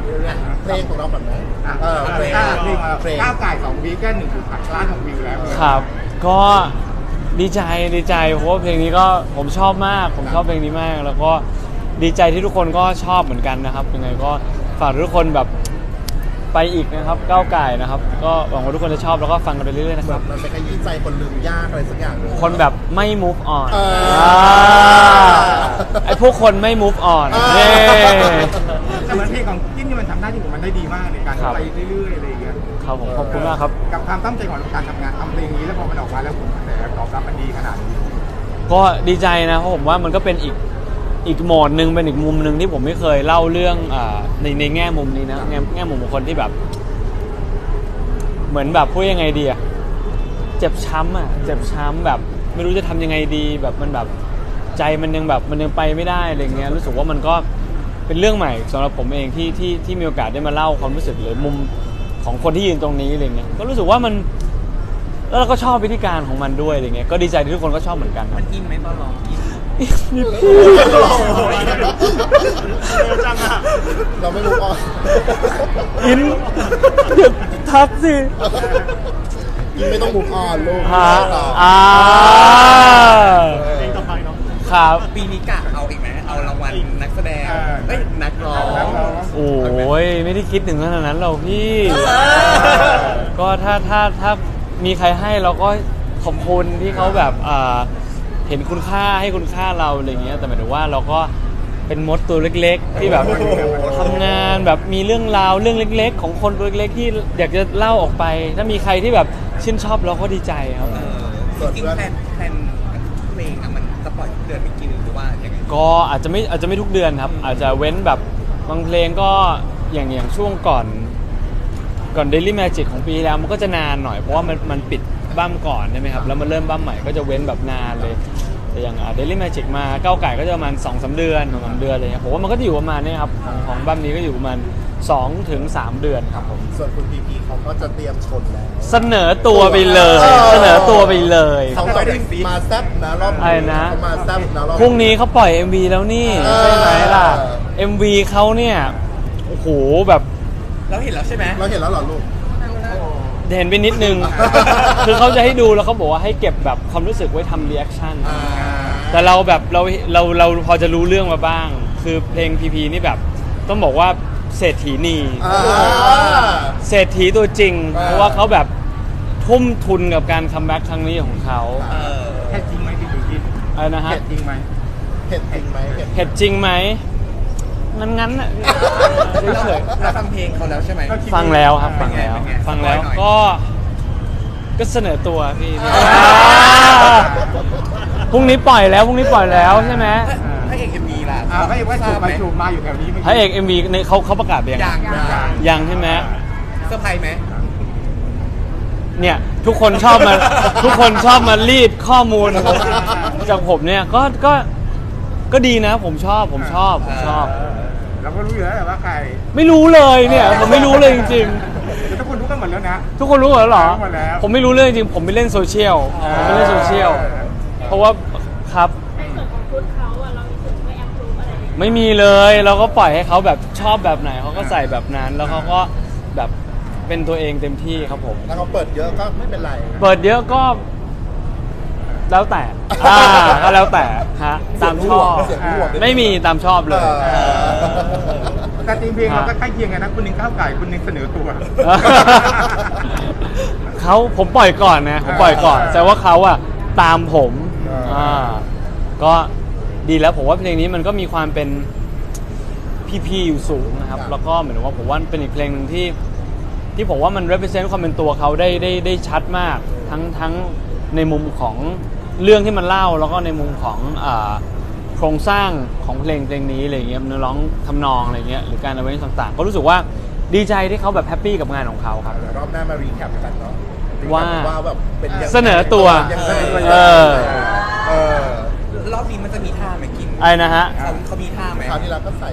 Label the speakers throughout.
Speaker 1: เพลงของเราก่อนไหมเพลงก้าวไก่2 วีคก็1.8 ล้านของวิวแล้ว
Speaker 2: ครับก็ดีใจเพราะว่าเพลงนี้ก็ผมชอบมากผมชอบเพลงนี้มากแล้วก็ดีใจที่ทุกคนก็ชอบเหมือนกันนะครับยังไงก็ฝากทุกคนแบบไปอีกนะครับก้าวไก่นะครับก็หวังว่าทุกคนจะชอบแล้วก็ฟังกันไปเรื่อยๆนะครับ
Speaker 1: มันเป็นขยี้ใจคนลืมยากอะไรสักอย่าง
Speaker 2: คนแบบไม่ move on ไอพวกคนไม่ move on เย้
Speaker 3: แต่เหมือนเพลงของจิ้นนี่มันทำหน้าที่ของมันได้ดีมากในการไปเรื่อยๆอะไรอย่างเงี้ย
Speaker 2: ครับผมขอบคุณมากครับ
Speaker 3: กับความตั้งใจของการทำงานทำเพลงนี้แล้วพอมันออกมาแล้วผลกระแสตอบรับมันดีขนาดนี้
Speaker 2: ก็ดีใจนะเพราะผมว่ามันก็เป็นอีกโหมดหนึ่งเป็นอีกมุมหนึ่งที่ผมไม่เคยเล่าเรื่องในแง่มุมนี้นะแง่มุมของคนที่แบบเหมือนแบบพูดยังไงดีอะเจ็บช้ำแบบไม่รู้จะทำยังไงดีแบบมันแบบใจมันยังไปไม่ได้อะไรเงี้ยรู้สึกว่ามันก็เป็นเรื่องใหม่สำหรับผมเองที่มีโอกาสได้มาเล่าความรู้สึกหรือมุมของคนที่ยืนตรงนี้อะไรเงี้ยก็รู้สึกว่ามันแล้วเราก็ชอบวิธีการของมันด้วยอะไรเงี้ยก็ดีใจที่ทุกคนก็ชอบเหมือนกัน
Speaker 4: มันอินไหมตอนร้องอิน
Speaker 1: จังอะเราไม่รู้อ่ะ
Speaker 2: อินเดี๋ยวทับสิ
Speaker 1: อินไม่ต้องมุกอ่อนลูก
Speaker 2: เพลงต่อไปเนาะครับ
Speaker 4: ปีนี้กะเอาอีกไหมเอารางวัลนักแสดงนักร้อง
Speaker 2: โอ้ยไม่ได้คิดถึงขนาดนั้นหรอกพี่ก็ถ้ามีใครให้เราก็ขอบคุณที่เขาแบบเห็นคุณค่าให้คุณค่าเราอะไรเงี้ยแต่หมายถึงว่าเราก็เป็นมดตัวเล็กๆที่แบบทำงานแบบมีเรื่องราวเรื่องเล็กๆของคนตัวเล็กๆที่อยากจะเล่าออกไปถ้ามีใครที่แบบชื่นชอบเราก็ดีใจครับ
Speaker 4: จริงๆแพลนเพลงมันจะปล่อยเดือนไม่กี่หรือว่าอย่างไง
Speaker 2: ก็อาจจะไม่ทุกเดือนครับอาจจะเว้นแบบบางเพลงก็อย่างช่วงก่อน Daily Magic ของปีที่แล้วมันก็จะนานหน่อยเพราะว่ามันปิดบั้มก่อนใช่ไหมครับแล้วมันเริ่มบั้มใหม่ก็จะเว้นแบบนานเลยแต่อย่างDaily Magic มาก้าวไก่ก็จะประมาณ 2-3 เดือน3 เดือนอะไรเงี้ยผมว่ามันก็จะอยู่ประมาณนี้ครับของบั้มนี้ก็อยู่ประมาณ 2-3 เดือนครับผม
Speaker 1: ส่วนคุณพีเขาก็จะเตรียมชนแล้ว
Speaker 2: เสนอตัวไปเลย
Speaker 1: เขาก็มาแซ่บนะรอบนี้เขามาแซ่บนะรอบ
Speaker 2: พรุ่งนี้เขาปล่อย MV แล้วนี่ใช่ไหมล่ะ MV เขาเนี่ยโอ้โหแบบ
Speaker 4: เราเห็นแล้วใช่ไหม
Speaker 1: เราเห็นแล้วเหรอลูก
Speaker 2: เห็นไปนิดนึง คือเขาจะให้ดูแล้วเขาบอกว่าให้เก็บแบบความรู้สึกไว้ทำรีแอคชั่นแต่เราแบบเราพอจะรู้เรื่องมาบ้างคือเพลงพีพีนี่แบบต้องบอกว่าเศรษฐีนีเศรษฐีตัวจริงเพราะว่าเขาแบบทุ่มทุนกับการคัมแบ็กครั้งนี้ของเขา
Speaker 3: เห็ดจริงไหมพี่ดูกิน
Speaker 2: อะไรนะฮะ
Speaker 3: เห็ดจริงไหม
Speaker 1: เห็ดจริงไหม
Speaker 2: งั้นน่ะ
Speaker 4: เราฟังเพลงเขาแล้วใช่ไหม
Speaker 2: ฟังแล้วครับฟังแล้วก็เสนอตัวพี่พรุ่งนี้ปล่อยแล้วใช่ไหม
Speaker 4: พระเอก MV ล่ะ
Speaker 3: พระเอกว่าจูบมาอยู่แถวนี้
Speaker 2: พระเอก MV เขาประกาศไปยังใช่ไหม
Speaker 4: เซอร์ไพรส์ไหม
Speaker 2: เนี่ยทุกคนชอบมารีดข้อมูลจากผมเนี่ยก็ดีนะผมชอบ
Speaker 3: เราก็รู้อยู่แล้วว่าใคร
Speaker 2: ไม่รู้เลยเนี่ยผมไม่รู้เลยจริง
Speaker 3: ๆทุกคนรู้กันหมดแล้วนะ
Speaker 2: ทุกคนรู้หมดแล้วเหรอผมไม่รู้เลยจริงผมไม่เล่นโซเชียลเพราะว่าครับ
Speaker 5: ในส่วนของชุดเขาอะเรามีส่วนไม่แอปรูปอะไร
Speaker 2: ไม่มีเลยเราก็ปล่อยให้เขาแบบชอบแบบไหนเขาก็ใส่แบบนั้นแล้วเขาก็แบบเป็นตัวเองเต็มที่ครับผม
Speaker 1: แล้วเขาเปิดเยอะก็ไม่เป็นไร
Speaker 2: เปิดเยอะก็แล้วแต่ก็แล้วแต่ฮะตามชอบไม่มีตามชอบเลย
Speaker 3: แต่จริงเพลงเราก็ใกล้เคียงกันนะคุณนึงก้าวไก่คุณนึงเสนอตัว
Speaker 2: ผมปล่อยก่อนนะแต่ว่าเขาอะตามผมก็ดีแล้วผมว่าเพลงนี้มันก็มีความเป็นพี่อยู่สูงนะครับแล้วก็เหมือนว่าผมว่าเป็นอีกเพลงนึงที่ผมว่ามัน represent ความเป็นตัวเขาได้ชัดมากทั้งในมุมของเรื่องที่มันเล่าแล้วก็ในมุมของโครงสร้างของเพลงนี้อะไรเงี้ยเนื้อร้องทำนองอะไรเงี้ยหรือการเอาไว้ต่างๆก็รู้สึกว่าดีใจที่เขาแบบแฮปปี้กับงานของเขาครับ
Speaker 1: รอบหน้ามารีแคปกันเนาะ
Speaker 2: ว่า
Speaker 1: แบบเป็น
Speaker 2: เสนอตัว
Speaker 4: รอบนี้มันจะมีท่าไหมกิน
Speaker 2: ไอ้นะฮะ
Speaker 4: เขามีท่าไหม
Speaker 1: คราวที่เราก็ใส่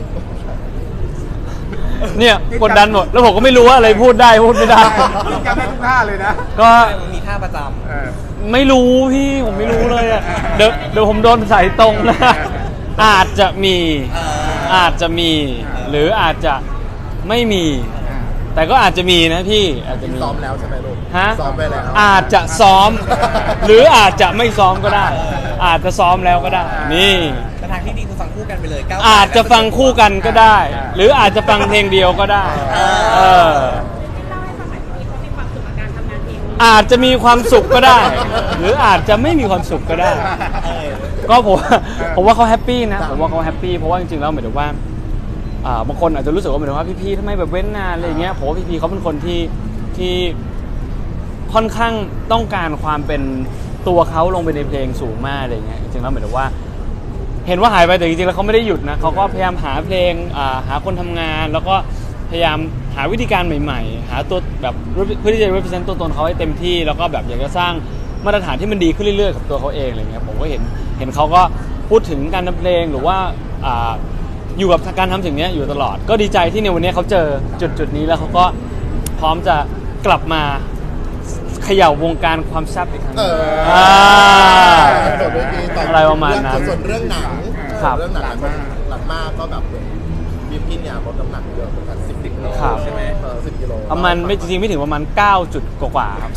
Speaker 2: เนี่ยกดดันหมดแล้วผมก็ไม่รู้ว่าอะไรพูดได้พูดไม่ได้
Speaker 3: จำได้ทุกท่าเลยนะ
Speaker 2: ก็
Speaker 4: มีท่าประจำ
Speaker 2: ไม่รู้พี่ผมไม่รู้เลยอ่ะเดี๋ยวผมโดนสายตรงนะอาจจะมีหรืออาจจะไม่มี แต่ก็อาจจะมีนะพี่อาจจะมี
Speaker 1: ซ้อมแล้วใช่ไหมลูก
Speaker 2: ฮะ
Speaker 1: ซ้อมไปแล้ว
Speaker 2: อาจจะซ้อม หรืออาจจะไม่ซ้อมก็ได้ อาจจะซ้อมแล้วก็ได้ นี่
Speaker 4: แต่ทางที่ดีคือฟังคู่กันไปเลยก้ว
Speaker 2: อาจจะฟังคู่กันก็ได้ หรืออาจจะฟังเพลงเดียวก็ได้ เออ
Speaker 5: เล่าให้ฟังหน่อยว่าเขามีความสุขกับการทำงานเพลงนี้
Speaker 2: อาจจะมีความสุขก็ได้ หรืออาจจะไม่มีความสุขก็ได้ ก็ผมว่าเขาแฮปปี้นะผมว่าเขาแฮปปี้เพราะว่าจริงๆแล้วหมายถึงว่าบางคนอาจจะรู้สึกว่าหมายถึงว่าพี่ๆทำไมแบบเว้นนานอะไรอย่างเงี้ยผมว่าพี่ๆเขาเป็นคนที่ค่อนข้างต้องการความเป็นตัวเขาลงไปในเพลงสูงมากอะไรอย่างเงี้ยจริงๆแล้วหมายถึงว่า เห็นว่าหายไปแต่จริงๆแล้วเขาไม่ได้หยุดนะเขาก็พยายามหาเพลงหาคนทำงาน แล้วก็พยายามหาวิธีการใหม่ๆหาตัวแบบเพื่อที่จะ represent ตัวตนเขาให้เต็มที่แล้วก็แบบอยากจะสร้างมาตรฐานที่มันดีขึ้นเรื่อยๆกับตัวเขาเองอะไรเงี้ยผมก็เห็นเขาก็พูดถึงการทำเพลงหรือว่าอยู่กับการทำสิ่งนี้อยู่ตลอดก็ดีใจที่ในวันนี้เขาเจอจุดนี้แล้วเขาก็พร้อมจะกลับมาเขย่าวงการความแซ่บอีกครั้งหนึ่ง
Speaker 1: ส่วนเวทีต่อ
Speaker 2: อะไรประมาณนั้น
Speaker 1: ส่วนเรื่องหนัง
Speaker 2: ครับ
Speaker 1: เรื่องหนังหลังมากก็แบบบิวกินเนี่ยลดน้ำหนักเยอะเหมือนกัน10 กิโล
Speaker 2: ครับ
Speaker 1: ใช่ไหม10 กิโล
Speaker 2: ประมาณไม่จริงๆไม่ถึงประมาณ9 จุดกว่าๆครับ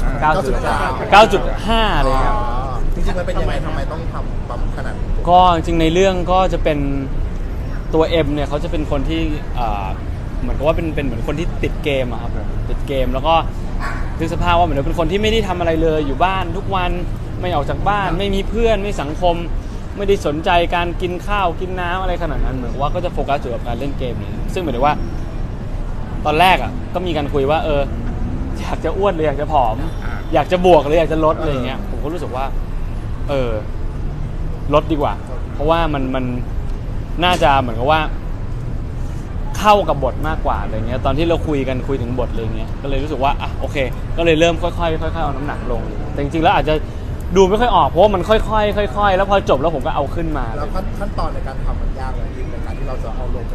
Speaker 2: 9.5เลยครับ
Speaker 1: จริงๆมันเป็นยังไงทำไมต้องทำปั๊มขนาดนี้
Speaker 2: ก็จริงๆในเรื่องก็จะเป็นตัวเอ็มเนี่ยเขาจะเป็นคนที่เหมือนกับว่าเป็นเหมือนคนที่ติดเกมอะครับผมติดเกมแล้วก็นึกสภาพว่าเหมือนเป็นคนที่ไม่ได้ทำอะไรเลยอยู่บ้านทุกวันไม่ออกจากบ้านไม่มีเพื่อนไม่สังคม ไม่ได้สนใจการกินข้าวกินน้ำอะไรขนาดนั้นเหมือนว่าก็จะโฟกัสอยู่กับการเล่นเกมนี่ซึ่งหมายถึงว่า ตอนแรกอ่ะก็มีการคุยว่าอยากจะอ้วนหรืออยากจะผอม อยากจะบวกหรืออยากจะลดอะไรอย่างเงี้ยผมก็รู้สึกว่าลดดีกว่า เพราะว่ามันน่าจะเหมือนกับว่าเข้ากับบทมากกว่าอะไรเงี้ยตอนที่เราคุยถึงบทอะไรเงี้ยก็เลยรู้สึกว่าโอเค ก็เลยเริ่มค่อยๆเอาน้ำหนักลงแต่จริงๆแล้วอาจจะดูไม่ค่อยออกเพราะว่ามันค่อยๆแล้วพอจบแล้วผมก็เอาขึ้นมา
Speaker 1: แล้วขั้นตอนในการทำมันยากเลยในการที่เราจะเอาลงไป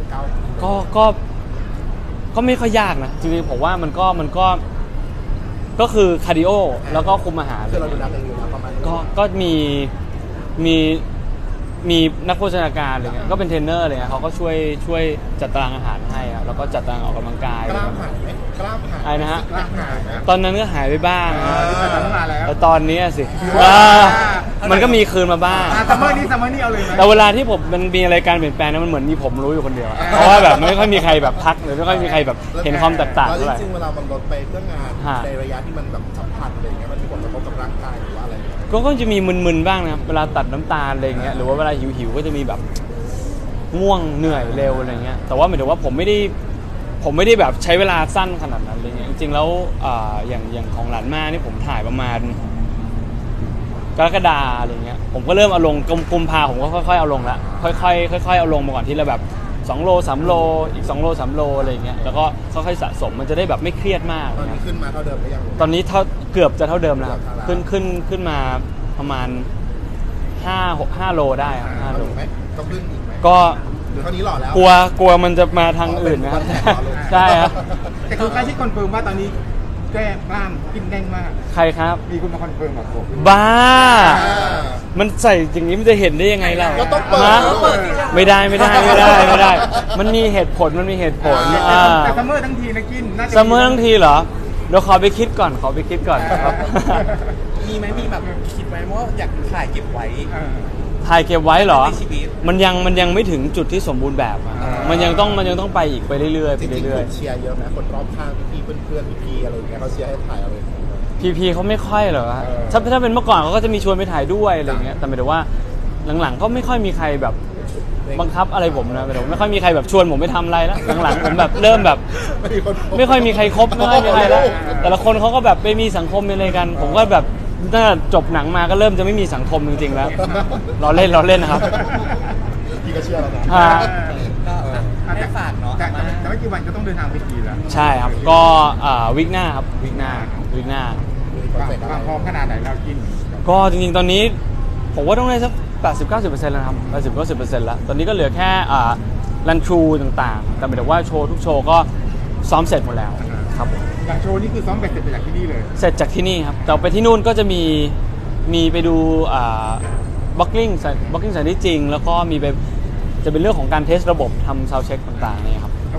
Speaker 2: ก็ไม่ค่อยยากนะจริงๆผมว่ามันก็คือคาร์ดิโอแล้วก็คุมอาหาร
Speaker 1: คือเราดูแลเองอยู่แล้วประมาณนี้
Speaker 2: ก็มีนักโภชนาการอะไรเงี้ยก็เป็นเทรนเนอร์อะไรเงี้ยเขาก็ช่วยจัดตารางอาหารให้ครับแล้วก็จัดตารางออกกำลังกาย
Speaker 1: กล้ามหายไหมกล้ามหาย
Speaker 2: อะไรนะฮะ
Speaker 1: กล้ามหายไหม
Speaker 2: ตอนนั้นก็หายไปบ้าง
Speaker 3: มาแล้ว
Speaker 2: แต่ตอนนี้สิมันก็มีคืนมาบ้าง
Speaker 3: ซัมเมอร์นี้เอาเลยไหม
Speaker 2: แต่เวลาที่ผมมันมีอะไรการเปลี่ยนแปลงนั้นมันเหมือนมีผมรู้อยู่คนเดียวอะเพราะว่าแบบไม่ค่อยมีใครแบบทักหรือไม่ค่อยมีใครแบบเห็นความแตกต่าง
Speaker 1: แล้ว
Speaker 2: เท่าไหร่
Speaker 1: จริงๆเวลามันลดไปเพื่องาน
Speaker 2: ฮะ
Speaker 1: ในระยะที่มันแบบสัมผัสอะไรอย่างเงี้ยมันมีผลกระทบกับร่างกายหรือว่าอะไรไหม
Speaker 2: ก็จะมีมึนๆบ้างนะครับเวลาตัดน้ำตาลอะไรเงี้ยหรือว่าเวลาหิวๆก็จะมีแบบง่วงเหนื่อยเร็วอะไรเงี้ยแต่ว่าหมายถึงว่าผมไม่ได้แบบใช้เวลาสั้นขนาดนั้นอะไรเงี้ยจริงๆแล้วอย่างของหลานมานี่ผมถ่ายประมาณกรกฎาอะไรเงี้ยผมก็เริ่มเอาลงกุมภาผมก็ค่อยๆเอาลงละค่อยๆเอาลงมาก่อนที่ละแบบ2 โล 3 โลอีก2 โล 3 โลอะไรเงี้ยแล้วก็ค่อยๆสะสมมันจะได้แบบไม่เครียดมาก
Speaker 1: ตอนนี้ขึ้นมาเท่าเดิมหรือยัง
Speaker 2: ตอนนี้เกือบจะเท่าเดิมแล้วครับขึ้นมาประมาณ5 โลได้ครับ5 โล
Speaker 1: ไหมต้องขึ้นอีกไหม
Speaker 2: ก็
Speaker 1: หรือเท่านี้หล่อแล้ว
Speaker 2: กลัวมันจะมาทางอื่นนะครับ
Speaker 1: เป็นวันแรกเหรอ
Speaker 2: ใช่ครับ
Speaker 3: แต่คือใครที่คอนเฟิร์มว่าตอนนี้แก้กล้ามกินแน่นมาก
Speaker 2: ใครครับ
Speaker 3: มีคุณมาคอนเฟิร์มกับผม
Speaker 2: บ้า มันใส่อย่างนี้มันจะเห็นได้ยังไงเรา
Speaker 1: ก็ต้องเปิด
Speaker 2: ฮะ
Speaker 1: ต้องเปิด
Speaker 2: ไม่ได้ มันมีเหตุผล
Speaker 3: แต่ซัมเมอร์ทั้งทีนะกินน่าจะ
Speaker 2: ซัมเมอร์ทั้งทีเหรอเดี๋ยวขอไปคิดก่อนครับ
Speaker 4: มีไหมมีแบบคิดไว้ว่าอยากถ่ายเก็บไว้
Speaker 2: ถ่ายเก็บไว้เหรอ
Speaker 4: ในชีวิต
Speaker 2: มันยังไม่ถึงจุดที่สมบูรณ์แบบอะมันยังต้องไปอีกไปเรื่อยๆ
Speaker 1: จริงๆคนเชียร์เยอะไหมคนรอบข้างพี่ๆเพื่อนๆพี่ๆอะไรอย่างเงี้ยเขาเชียร์ให้ถ่ายอะไรอย่างเงี้ย
Speaker 2: พีเขาไม่ค่อยเหรอฮะถ้าเป็นเมื่อก่อนเขาก็จะมีชวนไปถ่ายด้วยอะไรเงี้ยแต่หมายถึงว่าหลังๆก็ไม่ค่อยมีใครแบบบังคับอะไรผมนะหมายถึงไม่ค่อยมีใครแบบชวนผมไปทำอะไรแล้วหลังๆผมแบบเริ่มแบบไม่ค่อยมีใครคบไม่ค่อยมีใครแล้วแต่ละคนเขาก็แบบไปมีสังคมอะไรกัน ผมก็แบบตั้งแต่จบหนังมาก็เริ่มจะไม่มีสังคมจริงๆแล้วเราเล่นนะครับ
Speaker 1: พี่ก็เชื่อแล้วนะ
Speaker 4: ก็ให้ฝากเนาะ
Speaker 3: แต่ไม่กี่วันก็ต้องเดินทางไปกีแล้ว
Speaker 2: ใช่ครับก็วิกหน้าครับวิกหน้า
Speaker 3: ความพร้อมขนาดไหนเรากิน
Speaker 2: ก็จริงๆตอนนี้ผมว่าต้องได้สัก 80-90% แล้วนะครับ 80-90% แล้วตอนนี้ก็เหลือแค่รันทรูต่างๆแต่หมายถึงว่าโชว์ทุกโชว์ก็ซ้อมเสร็จหมดแล้วครับผม
Speaker 3: อย่างโชว์นี่คือซ้อมไปเสร็จไปจากที่นี่เลย
Speaker 2: เสร็จจากที่นี่ครับแต่ไปที่นู่นก็จะมีไปดูบล็อกกิ้งสถานที่จริงแล้วก็มีไปจะเป็นเรื่องของการเทสระบบทำซาวด์เช็คต่างๆเนี่ยครับ
Speaker 3: โ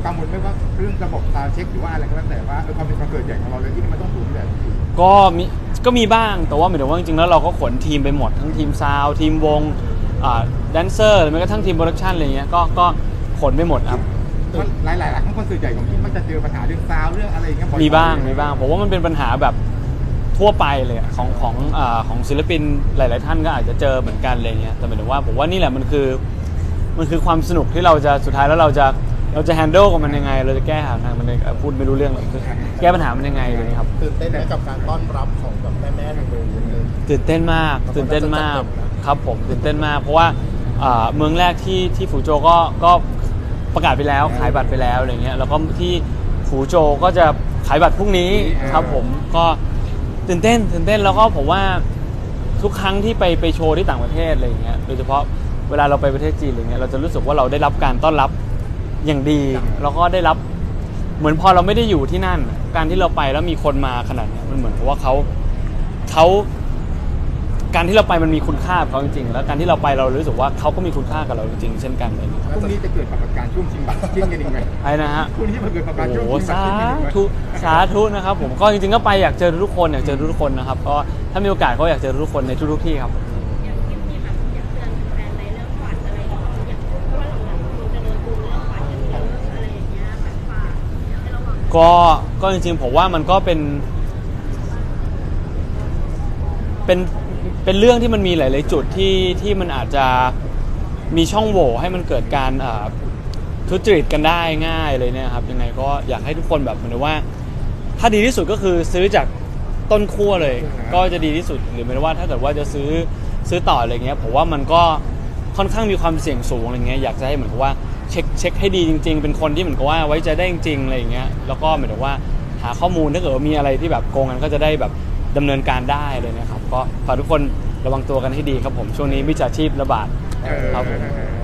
Speaker 3: กังวลไหมว่าเรื่องระบบซาวด์เช็คหรือว่าอะไรก็แล้วแต่ว่าความเป็นคอนเสิร์ตใหญ่ของเราเลยที่มันต้องสูงแบบ
Speaker 2: ก็มีบ้างแต่ว่าหมายถึงว่าจริงๆแล้วเราก็ขนทีมไปหมดทั้งทีมซาวด์ทีมวงแดนเซอร์หรือแม้กระทั่งทีมโปรดักชันอะไรเงี้ยก็ขนไปหมดครับ
Speaker 3: หลายๆครั้งคอนเสิร์ตใหญ่ของที่มันจะเจอปัญหาเรื่องซาวด์เรื่องอะไรอย่างเงี้ยบ่อยๆ
Speaker 2: มีบ้างผมว่ามันเป็นปัญหาแบบทั่วไปเลยอะของศิลปินหลายๆท่านก็อาจจะเจอเหมือนกันอะไรเงี้ยแต่หมายถึงว่าผมว่านี่แหละมันคือความสนุกที่เราจะสุดท้ายแล้วเราจะแฮนด์ลกับมันยังไงเราจะแก้ปัญหามันพูดไม่รู้เรื่องหรอกคือแก้ปัญหามันยังไงเลยครับ
Speaker 1: ตื่นเต้นไหมกับการต้อนรับของแบบแม่ๆทางเมืองเลย
Speaker 2: ตื่นเต้นมากครับผมตื่นเต้นมากเพราะว่าเมืองแรกที่ฝูโจวก็ประกาศไปแล้วขายบัตรไปแล้วอะไรเงี้ยแล้วก็ที่ฝูโจวก็จะขายบัตรพรุ่งนี้ครับผมก็ตื่นเต้นแล้วก็ผมว่าทุกครั้งที่ไปโชว์ที่ต่างประเทศอะไรเงี้ยโดยเฉพาะเวลาเราไปประเทศจีนอะไรเงี้ยเราจะรู้สึกว่าเราได้รับการต้อนรับอย่างดีแล้วก็ได้รับเหมือนพอเราไม่ได้อยู่ที่นั่นการที่เราไปแล้วมีคนมาขนาดนี้มันเหมือนกับว่าเขาการที่เราไปมันมีคุณค่ากับเขาจริงๆแล้วการที่เราไปเรารู้สึกว่าเขาก็มีคุณค่ากับเราจริงๆเช่นกันเลย
Speaker 3: พรุ่งนี้จะเกิดปรากฏการณ์ช่วงชิงบัตรจิ้นกันอีกไหม
Speaker 2: ไอ้นะฮะ
Speaker 3: พรุ่งนี้มันเกิดปรากฏการณ์ช่วง
Speaker 2: โอ้
Speaker 3: ชิงบัตร
Speaker 2: สา
Speaker 3: จิ้นกันอีกไหม
Speaker 2: ธุนะครับผมก็จริงๆก็ไปอยากเจอทุกคนนะครับก็ถ้ามีโอกาสก็อยากเจอทุกคนในทุกๆที่ครับ
Speaker 5: อย่างที่มีแบบอยากเตือนแฟนในเรื่องฝันอะไรอย่างเงี้ยอย่างเพราะว่าหลังๆคุณจะโดนดูเรื่องฝันกันเยอะอะไรอย่างเงี้ยแบบฝากให้ระวัง
Speaker 2: ก็จริงๆผมว่ามันก็เป็นเรื่องที่มันมีหลายๆจุดที่มันอาจจะมีช่องโหว่ให้มันเกิดการทุจริตกันได้ง่ายเลยเนี่ยครับยังไงก็อยากให้ทุกคนแบบเหมือนว่าถ้าดีที่สุดก็คือซื้อจากต้นขั้วเลยก็จะดีที่สุดหรือไม่ว่าถ้าเกิดว่าจะซื้อต่ออะไรเงี้ยผมว่ามันก็ค่อนข้างมีความเสี่ยงสูงอะไรเงี้ยอยากจะให้เหมือนกับว่าเช็คให้ดีจริงๆเป็นคนที่เหมือนกับว่าไว้ใจได้จริงๆอะไรอย่างเงี้ยแล้วก็เหมือนกับว่าหาข้อมูลถ้าเกิดว่ามีอะไรที่แบบโกงกันก็จะได้แบบดำเนินการได้เลยนะครับก็ฝากทุกคนระวังตัวกันให้ดีครับผมช่วงนี้มิจฉาชีพระบาดครับผม